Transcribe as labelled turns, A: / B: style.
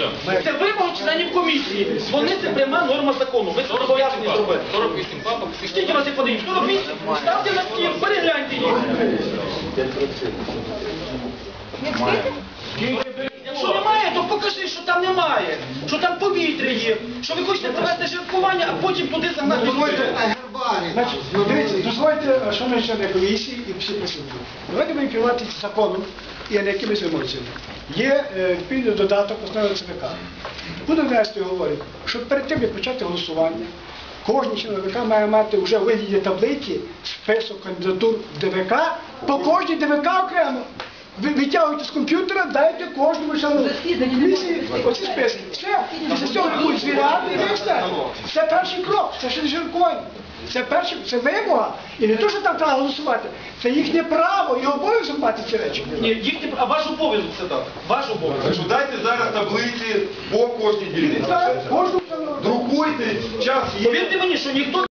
A: Це вимога членів комісії. Вони це пряма норма закону. Ви це зобов'язані зробити.
B: 48 папок.
A: Скільки вас їх подають? 48? Ставте на стіл, перегляньте їх. Якщо немає, то покажи, що там немає. Що там повітря є. Що ви хочете провести жертвування, а потім туди загнати.
C: Значить, дивіться, дозвольте, шановні члени комісії і всі присутні. Давайте будемо керуватися законом і не якимись емоціями. Є відповідний додаток основного ЦВК. Буду внести, говорить, що перед тим, як почати голосування, кожен член ДВК має мати вже у вигляді таблиці список кандидатур ДВК, по кожній ДВК окремо. Ви витягуєте з комп'ютера, дайте кожному члену комісії оці списки. Все, після цього будуть звіряти і все. Це перший крок, це ще не жиркування. Це вимога. І не те, що там треба голосувати, це їхнє право і обов'язок мати ці речі.
A: Ні, їхнє, а ваш обов'язок це так. Ваш обов'язок.
D: Що дайте зараз таблиці по кожній дільниці.
C: Кожному члену.
D: Друкуйте, час є.
A: Повірте мені, що ніхто